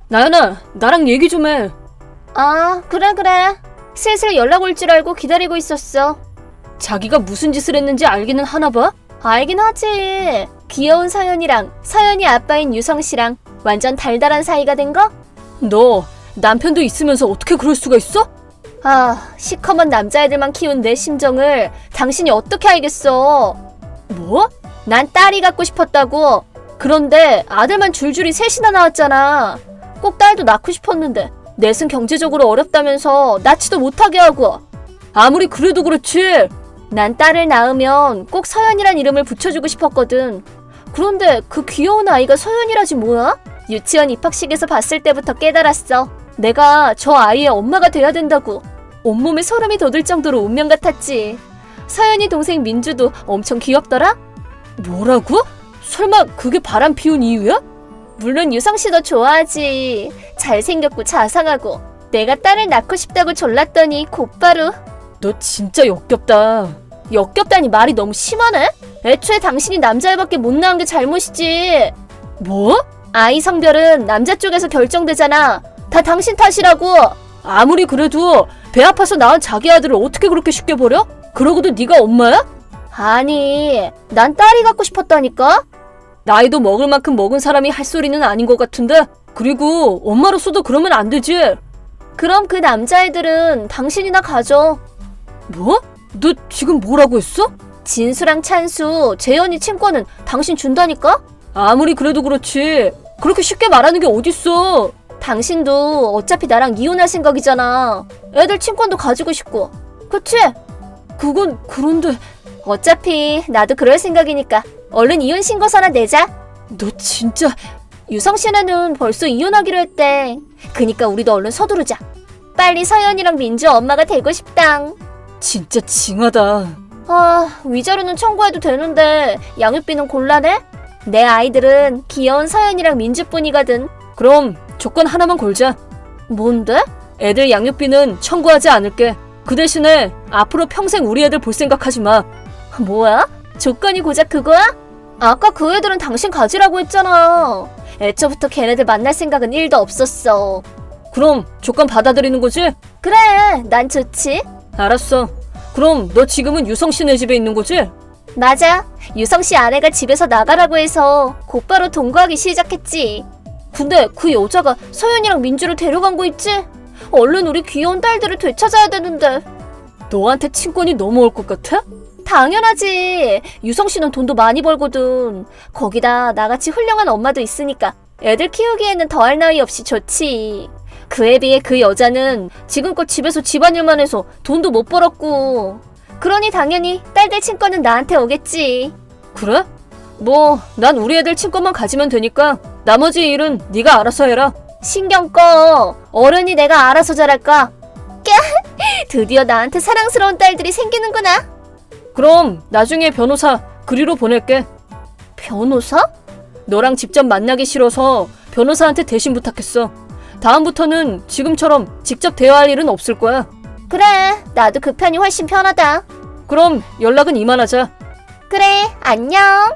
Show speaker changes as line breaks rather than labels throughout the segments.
나연아, 나랑 얘기 좀 해.
아, 그래. 슬슬 연락 올 줄 알고 기다리고 있었어.
자기가 무슨 짓을 했는지 알기는 하나 봐?
알긴 하지. 귀여운 서연이랑 서연이 아빠인 유성씨랑 완전 달달한 사이가 된 거?
너 남편도 있으면서 어떻게 그럴 수가 있어?
아, 시커먼 남자애들만 키운 내 심정을 당신이 어떻게 알겠어?
뭐?
난 딸이 갖고 싶었다고. 그런데 아들만 줄줄이 셋이나 나왔잖아. 꼭 딸도 낳고 싶었는데 넷은 경제적으로 어렵다면서 낳지도 못하게 하고.
아무리 그래도 그렇지.
난 딸을 낳으면 꼭 서연이란 이름을 붙여주고 싶었거든. 그런데 그 귀여운 아이가 서연이라지 뭐야? 유치원 입학식에서 봤을 때부터 깨달았어. 내가 저 아이의 엄마가 돼야 된다고. 온몸에 소름이 돋을 정도로 운명 같았지. 서연이 동생 민주도 엄청 귀엽더라?
뭐라고? 설마 그게 바람 피운 이유야?
물론 유성씨도 좋아하지. 잘생겼고 자상하고. 내가 딸을 낳고 싶다고 졸랐더니 곧바로.
너 진짜 역겹다.
역겹다니 말이 너무 심하네? 애초에 당신이 남자애밖에 못 낳은 게 잘못이지.
뭐?
아이 성별은 남자 쪽에서 결정되잖아. 다 당신 탓이라고.
아무리 그래도 배 아파서 낳은 자기 아들을 어떻게 그렇게 쉽게 버려? 그러고도 네가 엄마야?
아니, 난 딸이 갖고 싶었다니까?
나이도 먹을 만큼 먹은 사람이 할 소리는 아닌 것 같은데? 그리고 엄마로서도 그러면 안 되지.
그럼 그 남자애들은 당신이나 가져.
뭐? 너 지금 뭐라고 했어?
진수랑 찬수, 재현이 친권은 당신 준다니까?
아무리 그래도 그렇지. 그렇게 쉽게 말하는 게 어딨어.
당신도 어차피 나랑 이혼할 생각이잖아. 애들 친권도 가지고 싶고. 그치?
그건 그런데
어차피 나도 그럴 생각이니까 얼른 이혼 신고서나 내자.
너 진짜.
유성씨네는 벌써 이혼하기로 했대. 그니까 우리도 얼른 서두르자. 빨리 서연이랑 민주 엄마가 되고 싶당.
진짜 징하다.
아, 위자료는 청구해도 되는데 양육비는 곤란해? 내 아이들은 귀여운 서연이랑 민주뿐이거든.
그럼 조건 하나만 걸자.
뭔데?
애들 양육비는 청구하지 않을게. 그 대신에 앞으로 평생 우리 애들 볼 생각하지 마.
뭐야? 조건이 고작 그거야? 아까 그 애들은 당신 가지라고 했잖아. 애초부터 걔네들 만날 생각은 1도 없었어.
그럼 조건 받아들이는 거지?
그래, 난 좋지.
알았어. 그럼 너 지금은 유성 씨네 집에 있는 거지?
맞아. 유성씨 아내가 집에서 나가라고 해서 곧바로 동거하기 시작했지. 근데 그 여자가 서연이랑 민주를 데려간 거 있지? 얼른 우리 귀여운 딸들을 되찾아야 되는데.
너한테 친권이 넘어올 것 같아?
당연하지. 유성씨는 돈도 많이 벌거든. 거기다 나같이 훌륭한 엄마도 있으니까 애들 키우기에는 더할 나위 없이 좋지. 그에 비해 그 여자는 지금껏 집에서 집안일만 해서 돈도 못 벌었고. 그러니 당연히 딸들 친권은 나한테 오겠지.
그래? 뭐 난 우리 애들 친권만 가지면 되니까 나머지 일은 네가 알아서 해라.
신경 꺼. 어른이 내가 알아서 잘할까? 드디어 나한테 사랑스러운 딸들이 생기는구나.
그럼 나중에 변호사 그리로 보낼게.
변호사?
너랑 직접 만나기 싫어서 변호사한테 대신 부탁했어. 다음부터는 지금처럼 직접 대화할 일은 없을 거야.
그래, 나도 그 편이 훨씬 편하다.
그럼 연락은 이만하자.
그래, 안녕.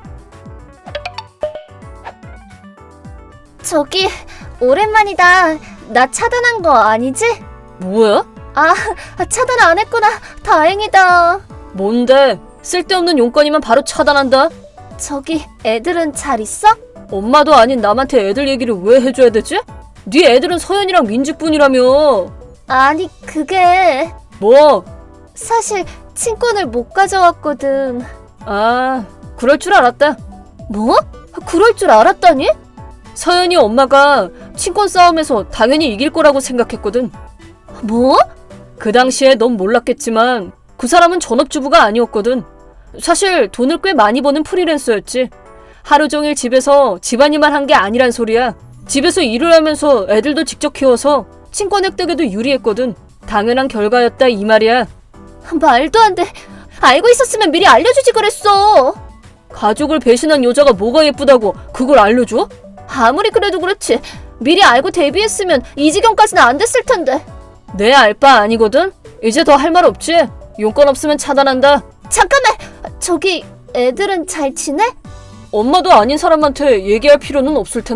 저기, 오랜만이다. 나 차단한 거 아니지?
뭐야?
아, 차단 안 했구나. 다행이다.
뭔데? 쓸데없는 용건이면 바로 차단한다.
저기, 애들은 잘 있어?
엄마도 아닌 남한테 애들 얘기를 왜 해줘야 되지? 네 애들은 서연이랑 민주뿐이라며.
아니, 그게
뭐?
사실 친권을 못 가져왔거든.
아, 그럴 줄 알았다.
뭐? 그럴 줄 알았다니?
서연이 엄마가 친권 싸움에서 당연히 이길 거라고 생각했거든.
뭐?
그 당시에 넌 몰랐겠지만 그 사람은 전업주부가 아니었거든. 사실 돈을 꽤 많이 버는 프리랜서였지. 하루 종일 집에서 집안일만 한 게 아니란 소리야. 집에서 일을 하면서 애들도 직접 키워서 친권 획득에도 유리했거든. 당연한 결과였다 이 말이야.
말도 안 돼. 알고 있었으면 미리 알려주지 그랬어.
가족을 배신한 여자가 뭐가 예쁘다고 그걸 알려줘?
아무리 그래도 그렇지. 미리 알고 데뷔했으면 이 지경까지는 안 됐을 텐데.
내 알 바 아니거든? 이제 더 할 말 없지? 용건 없으면 차단한다.
잠깐만. 저기 애들은 잘 지내?
엄마도 아닌 사람한테 얘기할 필요는 없을 텐데.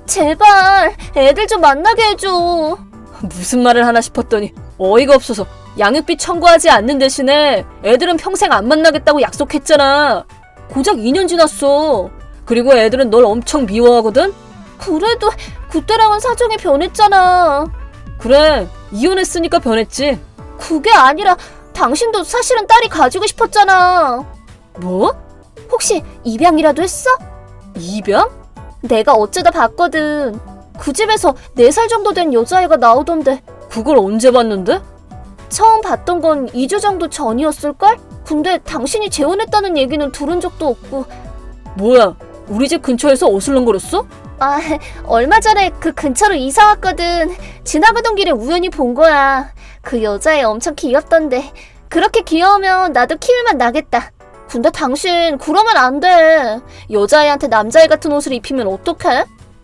제발 애들 좀 만나게 해줘.
무슨 말을 하나 싶었더니 어이가 없어서 양육비 청구하지 않는 대신에 애들은 평생 안 만나겠다고 약속했잖아. 고작 2년 지났어. 그리고 애들은 널 엄청 미워하거든?
그래도 그때랑은 사정이 변했잖아.
그래, 이혼했으니까 변했지.
그게 아니라 당신도 사실은 딸이 가지고 싶었잖아.
뭐?
혹시 입양이라도 했어?
입양?
내가 어쩌다 봤거든. 그 집에서 4살 정도 된 여자애가 나오던데.
그걸 언제 봤는데?
처음 봤던 건 2주 정도 전이었을걸? 근데 당신이 재혼했다는 얘기는 들은 적도 없고.
뭐야, 우리 집 근처에서 어슬렁거렸어?
아, 얼마 전에 그 근처로 이사 왔거든. 지나가던 길에 우연히 본 거야. 그 여자애 엄청 귀엽던데. 그렇게 귀여우면 나도 키울만 나겠다. 근데 당신 그러면 안 돼. 여자애한테 남자애 같은 옷을 입히면 어떡해?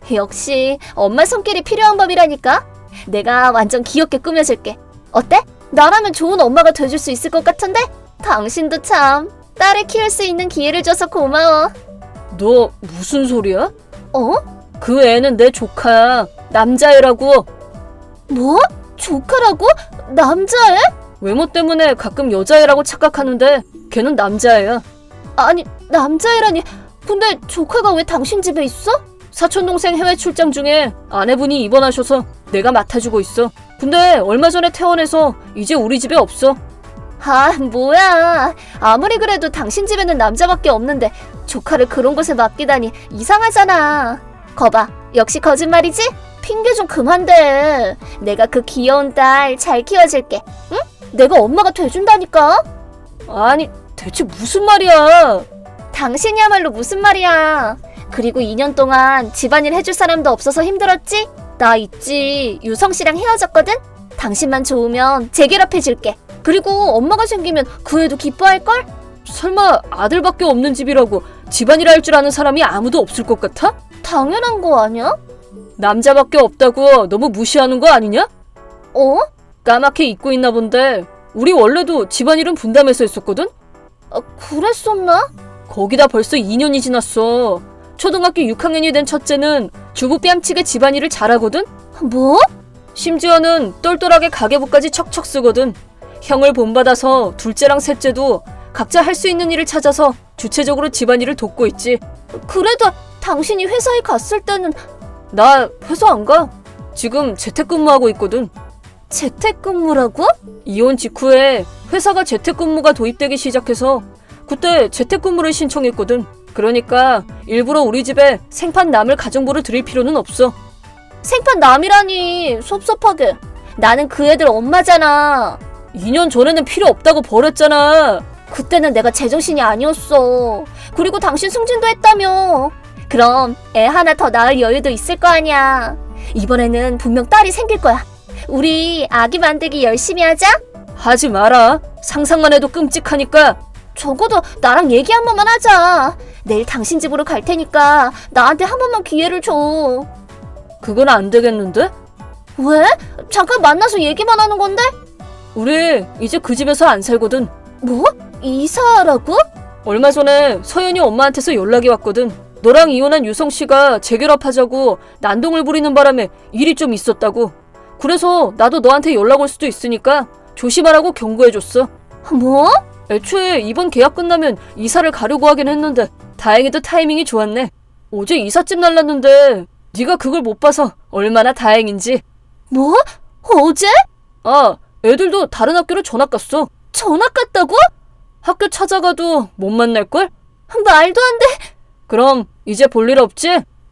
역시 엄마 손길이 필요한 법이라니까. 내가 완전 귀엽게 꾸며줄게. 어때? 나라면 좋은 엄마가 돼줄 수 있을 것 같은데? 당신도 참 딸을 키울 수 있는 기회를 줘서 고마워.
너 무슨 소리야?
어?
그 애는 내 조카야. 남자애라고.
뭐? 조카라고? 남자애?
외모 때문에 가끔 여자애라고 착각하는데 걔는 남자애야.
아니, 남자애라니. 근데 조카가 왜 당신 집에 있어?
사촌동생 해외 출장 중에 아내분이 입원하셔서 내가 맡아주고 있어. 근데 얼마 전에 퇴원해서 이제 우리 집에 없어.
아, 뭐야. 아무리 그래도 당신 집에는 남자밖에 없는데 조카를 그런 곳에 맡기다니 이상하잖아. 거봐, 역시 거짓말이지? 핑계 좀 그만 대. 내가 그 귀여운 딸 잘 키워줄게. 응? 내가 엄마가 돼준다니까?
아니, 대체 무슨 말이야?
당신이야말로 무슨 말이야. 그리고 2년 동안 집안일 해줄 사람도 없어서 힘들었지? 나 있지. 유성씨랑 헤어졌거든? 당신만 좋으면 재결합해줄게. 그리고 엄마가 생기면 그 애도 기뻐할걸?
설마 아들밖에 없는 집이라고 집안일 할 줄 아는 사람이 아무도 없을 것 같아?
당연한 거 아니야?
남자밖에 없다고 너무 무시하는 거 아니냐?
어?
까맣게 잊고 있나 본데 우리 원래도 집안일은 분담해서 했었거든?
그랬었나?
거기다 벌써 2년이 지났어. 초등학교 6학년이 된 첫째는 주부 뺨치게 집안일을 잘하거든?
뭐?
심지어는 똘똘하게 가계부까지 척척 쓰거든. 형을 본받아서 둘째랑 셋째도 각자 할 수 있는 일을 찾아서 주체적으로 집안일을 돕고 있지.
그래도 당신이 회사에 갔을 때는.
나 회사 안 가. 지금 재택근무하고 있거든.
재택근무라고?
이혼 직후에 회사가 재택근무가 도입되기 시작해서 그때 재택근무를 신청했거든. 그러니까 일부러 우리 집에 생판 남을 가정부를 들일 필요는 없어.
생판 남이라니 섭섭하게. 나는 그 애들 엄마잖아.
2년 전에는 필요 없다고 버렸잖아.
그때는 내가 제정신이 아니었어. 그리고 당신 승진도 했다며. 그럼 애 하나 더 낳을 여유도 있을 거 아니야. 이번에는 분명 딸이 생길 거야. 우리 아기 만들기 열심히 하자.
하지 마라. 상상만 해도 끔찍하니까.
적어도 나랑 얘기 한 번만 하자. 내일 당신 집으로 갈 테니까 나한테 한 번만 기회를 줘.
그건 안 되겠는데?
왜? 잠깐 만나서 얘기만 하는 건데?
우리 이제 그 집에서 안 살거든.
뭐? 이사라고?
얼마 전에 서연이 엄마한테서 연락이 왔거든. 너랑 이혼한 유성씨가 재결합하자고 난동을 부리는 바람에 일이 좀 있었다고. 그래서 나도 너한테 연락 올 수도 있으니까 조심하라고 경고해줬어.
뭐?
애초에 이번 계약 끝나면 이사를 가려고 하긴 했는데 다행히도 타이밍이 좋았네. 어제 이삿짐 날랐는데 네가 그걸 못 봐서 얼마나 다행인지.
뭐? 어제?
아, 애들도 다른 학교로 전학 갔어.
전학 갔다고?
학교 찾아가도 못 만날걸?
말도 안 돼.
그럼 이제 볼 일 없지?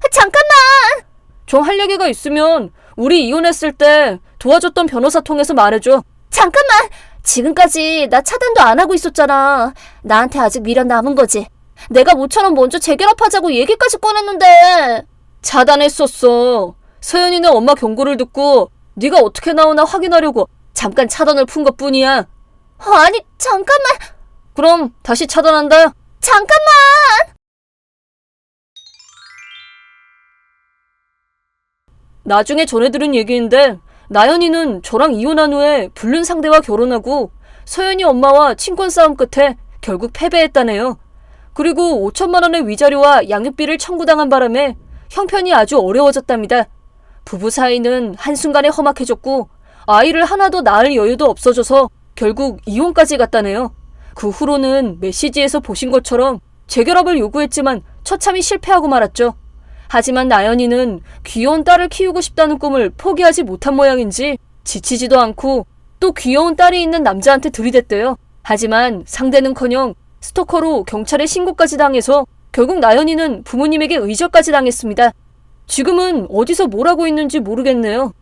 잠깐만.
좀 할 얘기가 있으면 우리 이혼했을 때 도와줬던 변호사 통해서 말해줘.
잠깐만. 지금까지 나 차단도 안 하고 있었잖아. 나한테 아직 미련 남은 거지. 내가 모처럼 먼저 재결합하자고 얘기까지 꺼냈는데.
차단했었어. 서연이네 엄마 경고를 듣고 네가 어떻게 나오나 확인하려고 잠깐 차단을 푼 것뿐이야.
아니, 잠깐만.
그럼 다시 차단한다.
잠깐만.
나중에 전해들은 얘기인데 나연이는 저랑 이혼한 후에 불륜 상대와 결혼하고 서연이 엄마와 친권 싸움 끝에 결국 패배했다네요. 그리고 5천만 원의 위자료와 양육비를 청구당한 바람에 형편이 아주 어려워졌답니다. 부부 사이는 한순간에 험악해졌고 아이를 하나 더 낳을 여유도 없어져서 결국 이혼까지 갔다네요. 그 후로는 메시지에서 보신 것처럼 재결합을 요구했지만 처참히 실패하고 말았죠. 하지만 나연이는 귀여운 딸을 키우고 싶다는 꿈을 포기하지 못한 모양인지 지치지도 않고 또 귀여운 딸이 있는 남자한테 들이댔대요. 하지만 상대는커녕 스토커로 경찰에 신고까지 당해서 결국 나연이는 부모님에게 의젓까지 당했습니다. 지금은 어디서 뭘 하고 있는지 모르겠네요.